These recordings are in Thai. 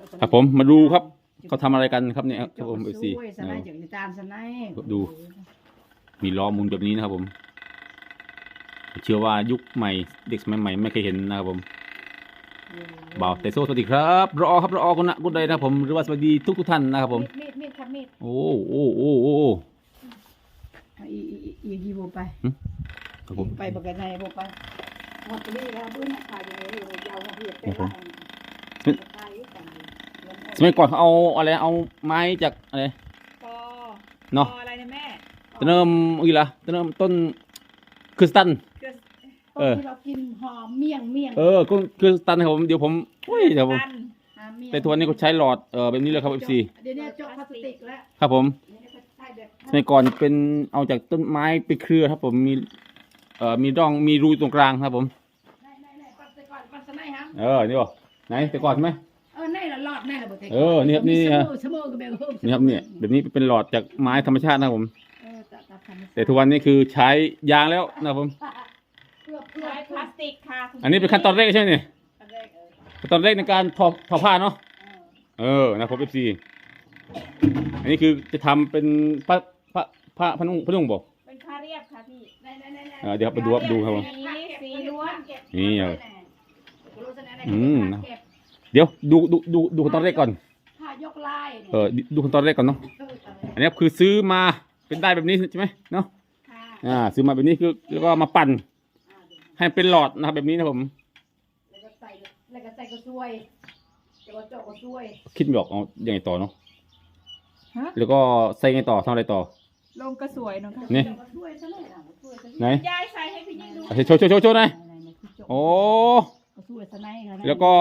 ครับผมมาดูครับเขาทำอะไรกันครับเนี่ยครับผมFC สไนจากตามสไนดูมีล้อหมุนแบบนี้นะครับผมเชื่อว่ายุคใหม่เด็กสมัยใหม่ไม่เคยเห็นนะครับผมบ่าวเตโซสวัสดีครับรอครับรอคนนะกุดใดนะครับผมหรือว่าสวัสดีทุกท่านนะครับผมมีดครับมีดโอ้อีโบไปครับผมไปบักกันในโบไปหมดเลยแล้วเพื่อนขายอย่างนี้ยาวมาเพียบไปละสมัยก่อนเขาเอาอะไรเอาไม้จากอะไรเนาะอะไรนะแม่ต้นเริ่มอีละต้นเริ่มต้นคริสตัลที่เรากินหอมเมี่ยงก็คือสตันครับผมเดี๋ยวผมเดี๋ยวผมแต่ทุกวันนี้ก็ใช้หลอดแบบนี้เลยครับ FC เดี๋ยวนี้จกพลาสติกแล้วครับผมสมัยก่อนเป็นเอาจากต้นไม้ไปเครือครับผมมีร่องมีรูตรงกลางครับผมนี่บ่ไหนแต่ก่อนใช่ไหมนี่ละหลอดนี่ละบ่นี่ครับนี่ฮะนี่ครับเนี่ยแบบนี้เป็นหลอดจากไม้ธรรมชาตินะครับผมแต่ทุกวันนี้คือใช้ยางแล้วนะครับผมใช้พลาสติกค่ะอันนี้เป็นขั้นตอนแรกใช่ไหมเนี่ยขั้นตอนแรกในการทอผ้าเนาะนะผม FC อันนี้คือจะทำเป็นผ้าพนุ่งบอกเป็นผ้าเรียบค่ะพี่เดี๋ยวไปดูครับผมสีล้วนนี่เดี๋ยวดูขั้นตอนแรกก่อนผ้ายกลายดูขั้นตอนแรกก่อนเนาะอันนี้คือซื้อมาเป็นได้แบบนี้ใช่ไหมเนาะซื้อมาแบบนี้คือแล้วก็มาปั่นให้เป็นหลอดนะครับแบบนี้นะผมแล้วก็ใส่ก็ช่วยเดี๋ยวเจาะก็ช่วยคิดไม่ออกเอายังไงต่อเนาะแล้วก็ใส่ไงต่อทำอะไรต่อลงกระสวยเนาะนี่ไหนยายใส่ให้พี่ยิ่งดูโชว์หน่อยโอ้แล้วก็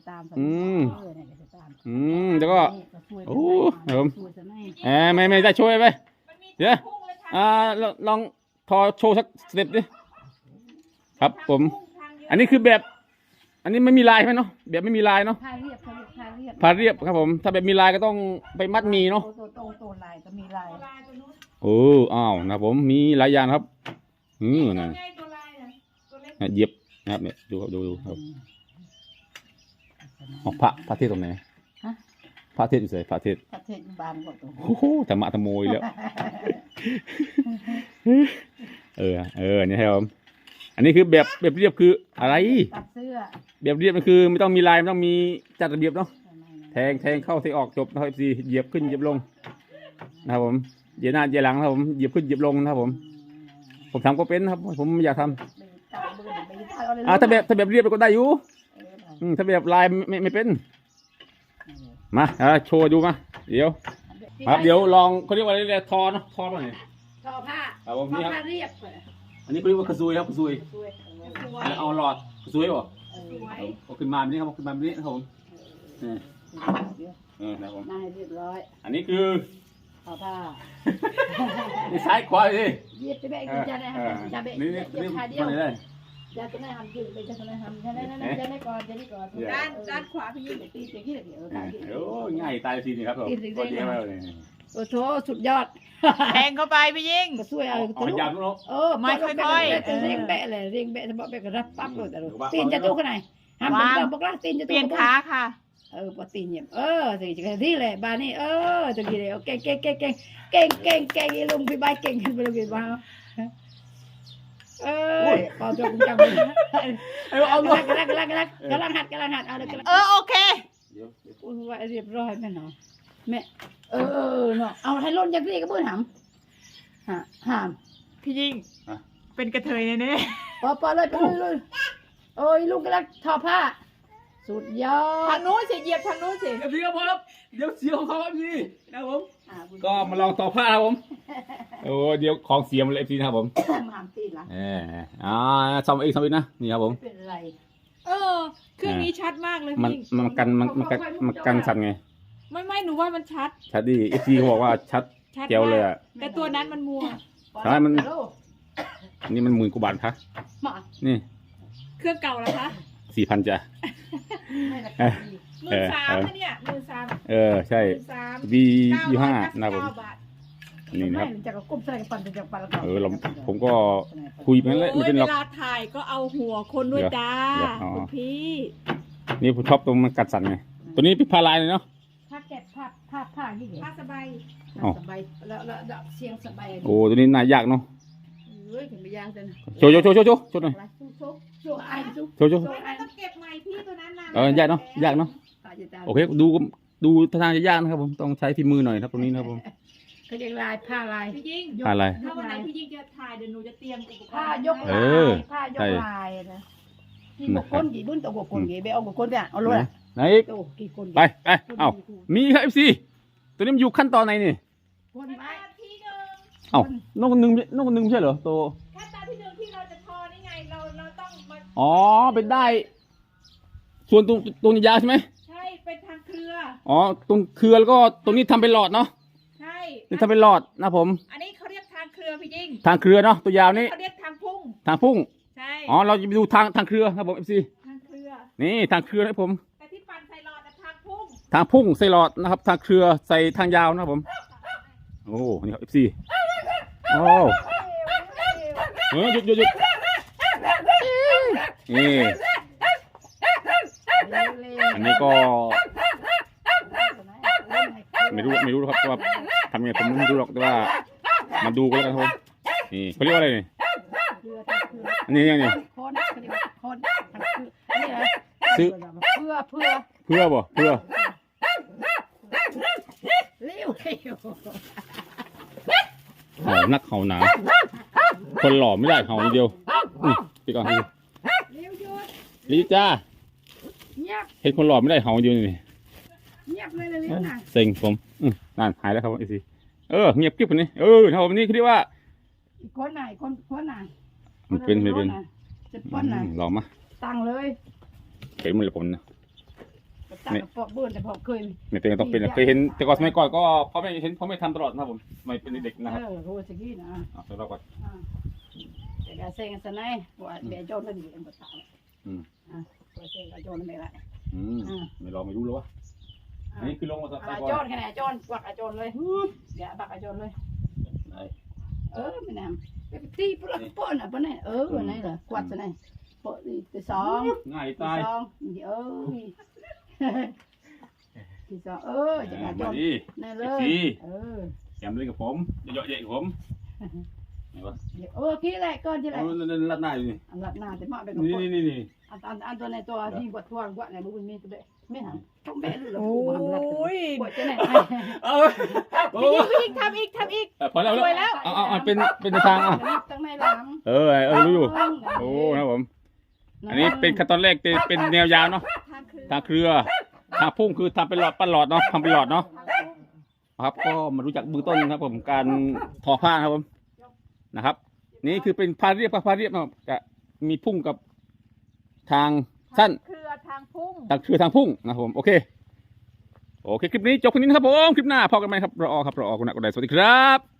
แล้วก็โอ้ผมไม่ได้ช่วยไปเดี๋ยวลองทอโชว์สักสเต็ปดิครับผมอันนี้คือแบบอันนี้ไม่มีลายใช่ไหมเนาะแบบไม่มีลายเนาะผ้าเรียบครับผมถ้าแบบมีลายก็ต้องไปมัดมีเนาะตัวลายก็มีลายอ้าวนะผมมีหลายอย่างครับนั่นเหยียบนะครับเนี่ยดูครับพระเทศตรงไหนพระเทศอยู่ไหนพระเทศบานก็ตัวโอ้โหธรรมะธรรมโมยแล้วนี่ครับผมอันนี้คือแบบเรียบคืออะไรตัดเสื้อแบบเรียบมันคือไม่ต้องมีลายไม่ต้องมีจัดระเบียบเนาะแทงเข้าแทงออกจบนะครับFCเหยียบขึ้นเหยียบลงนะครับผมเหยียบหน้าเหยียบหลังนะครับผมเหยียบขึ้นเหยียบลงนะครับผมทำก็เป็นครับผมอยากทำถ้าแบบเรียบก็ได้อยู่ถ้าแบบลายไม่เป็นมาโชว์ดูมาเดี๋ยวครับเดี๋ยวลองเขาเรียกว่าอะไรทอเนาะทอมาหน่อยทอผ้าครับผมนี่ครับเรียบอันนี้เขาเรียกว่ากระซุยครับกระซุยเอาหลอดกระซุยบ่เอาขึ้นมาแบบนี้ครับขึ้นมาแบบนี้นะครับผมนะครับผมเรียบร้อยอันนี้คือทอผ้านี่ซ้ายขวาดิเหยียบจะแบกจะได้จะแบกจะขาเดียวจะได้ทำยืดไปจะได้ทำจะได้ก่อนด้านขวาพี่ยิ่งตีอย่างนี้เลยง่ายตายทีนี่ครับผมก็เยอะมากเลยโอ้โหสุดยอดแทงเข้าไปพี่ยิ่งก็ช่วยเอายำลูกไม่ค่อยเรียงแบะเลยเรียงแบะสมบัติแบะก็รับปั๊บเลยแต่ตีนจะตู้ขนาดห้ามบอกละตีนจะตู้เปลี่ยนขาค่ะพอตีนเนี่ยสิจะที่เลยบ้านนี้จะกี่เลยเก่งลุงพี่ใบเก่งขึ้นไปเลยพี่บ้าพอจบจังเลยเอาลูกกำลังหัดเอาเลยโอเคว่าเรียบร้อยแม่เนาะแม่เนาะเอาให้ล้นจากนี่ก็เบื่อหามพี่ยิ่งเป็นกระเทยแน่ๆพอเลยโอ้ยลุงกำลังทอผ้าสุดยอดทางนู้นสิเหยียบทางนู้นสิเดี๋ยวพอครับเดี๋ยวเสียของเขาครับพี่นะผมก็มาลองต่อผ้าครับผมเดี๋ยวของเสียมันเลยพี่นะครับผมหามตีนละซ่อมอีกนะนี่ครับผมเป็นไรเครื่องนี้ชัดมากเลยพี่มันกันสั่นไงไม่หนูว่ามันชัดดิFCเขาบอกว่าชัดเจ๋วเลยแต่ตัวนั้นมันมัวใช่นี่มัน10,000 กว่าบาทคะนี่เครื่องเก่าแล้วคะ 4,000จ้ะ 13,000เนี่ย13,000 ใช่ V25นะผมนี่นะครับจะกุ้มใส่ปั่นจะปั่นผมก็คุยไปเลยไม่เป็นหรอกเวลาถ่ายก็เอาหัวคนด้วยจ้าคุณพี่นี่ผมชอบตรงมันกัดสั่นไงตัวนี้เป็นผ้าลายเลยเนาะผ้าแกะผ้าที่เด็กผ้าสบายอ๋อสบายแล้วเสียงสบายโอ้ตัวนี้น่ายากเนาะเฮ้ยถึงไปย่างกันโชว์หน่อยโชว์ไอ้ซุกโชว์ไม่ต้องเก็บใหม่พี่ตัวนั้นนะยากเนาะยากเนาะโอเคดูท่าทางจะยากนะครับผมต้องใช้ฝีมือหน่อยครับตรงนี้นะครับผมเขาเรียกลายผ้าลายพี่ยิ่งผ้าลายถ้าวันไหนพี่ยิ่งจะถ่ายเดี๋ยวหนูจะเตรียมอุปกรณ์ผ้ายกเอลาอยผ้ายกลายนะกี่บกคนกี่รุ่นตัวบกคนกี่ไปเอาบกคนเนี่ยเอาเลยไหนอีกโตกี่คนไปเอ้ามีครับ FC ตัวนี้มันอยู่ขั้นตอนไหนนี่คนขั้นตไว้อนที่หนึ่งเอ้านกคนหนึงไม่ใช่เหรอตัวขั้นตอนที่หนึ่งที่เราจะทอนี่ไงเราต้องมาอ๋อเป็นได้ ส่วนตรงยาวใช่ไหมใช่เป็นทางเครืออ๋อตรงเครือแล้วก็ตรงนี้ทำเป็นหลอดเนาะใช่นี่ทำเป็นหลอดนะผมอันนี้เขาเรียกทางเครือพี่ยิ่งทางเครือเนาะตัวยาวนี้เขาเรียกทางพุ่งทางพุ่งใช่อ๋อเราจะไปดูทางเครือครับผม FC ทางเครือนี่ทางเครือนะครับผมแต่ที่ปั่นใส่หลอดนะทางพุ่งทางพุ่งใส่หลอดนะครับ ทางเครือใส่ทางยาวนะครับผม โอ้นี่ครับ FC โอ้หยุดนี่อันนี้ก็ไม่รู้ครับว่าทำยังไงผมไม่รู้หรอกแต่ว่ามาดูกันแล้วกันครับผมนี่เขาเรียกว่าอะไรนี่นี่คนคนนี่เลยซื้อเพื่อเพื่อบ่เพื่อเลี้ยวเห่านักเห่าหนาคนหล่อไม่ได้เห่าอย่างเดียวพี่ก่อนพี่เลี้ยวหยุดลีจ้าเงียบเห็นคนหล่อไม่ได้เห่าอย่างเดียวนี่เงียบเลยเลี้ยวนะเซ็งผมนั่นหายแล้วครับไอซีเงียบกิ๊บคนนี้ครับผมนี่คือเรียกว่าอีกคนไหนคนไหนมันเป็นจะป้อนไหนลองมาตั้งเลยเป็นมือผมนะตั้งปอบเบิ้ลแต่พอเคยไม่เป็นก็ต้องเป็นเคยเห็นแต่ก่อนสมัยก่อนก็พ่อแม่เห็นพ่อแม่ทำตลอดนะครับผมสมัยเป็นเด็กนะครับโหสกี้นะเอาเราก่อนแต่การเซ็งสนายว่าเบียโจนก็ดีเป็นภาษาตัวเซ็งกับโจนไม่ไรไม่ลองไม่รู้เลยวะอันนี้คือลงมาสักโจนแค่ไหนโจนกวักโจนเลยเดี๋ยวบักโจนเลยไม่นำไปตีปลักป้อนอ่ะป้อนนี่ไหนเหรอกวัดสนายปอดีที่สองง่ายที่ตายสองที่สองจะมาโจมาน ดินั่นเลยแกมเล่นกับผมเยอะแยะกับผมไหนวะกี้แหละก่อนที่แหละลัดหน้าอยู่นี่อันหลับหน้าจะมาเป็นกับนี่อันตัวในตัวที่บดทวนกว่าไหนบุญมีตัวเบะไม่หันต้องเบะหรือโอ้ยบดจะไหนพี่ยิ่งทำอีกพอแล้วสวยแล้วเอาเป็นทางตั้งในหลังรู้อยู่โอ้ครับผมอันนี้เป็นขั้นตอนแรกเป็นแนวยาวเนาะทางเครือทางเครือทางพุ่งคือทำเป็นหลอดปั้นหลอดเนาะทำเป็นหลอดเนาะครับก็มารู้จักเบื้องต้นครับผมการทอผ้าครับผมนะครับ นี่คือเป็นผ้าเรียบนะครับจะมีพุ่งกับทางสั้นเครือทางพุ่งทางเครือทางพุ่งนะครับผมโอเคคลิปนี้จบแค่นี้นะครับผมคลิปหน้าพอกันไหมครับรอคุณนักกดไลค์สวัสดีครับ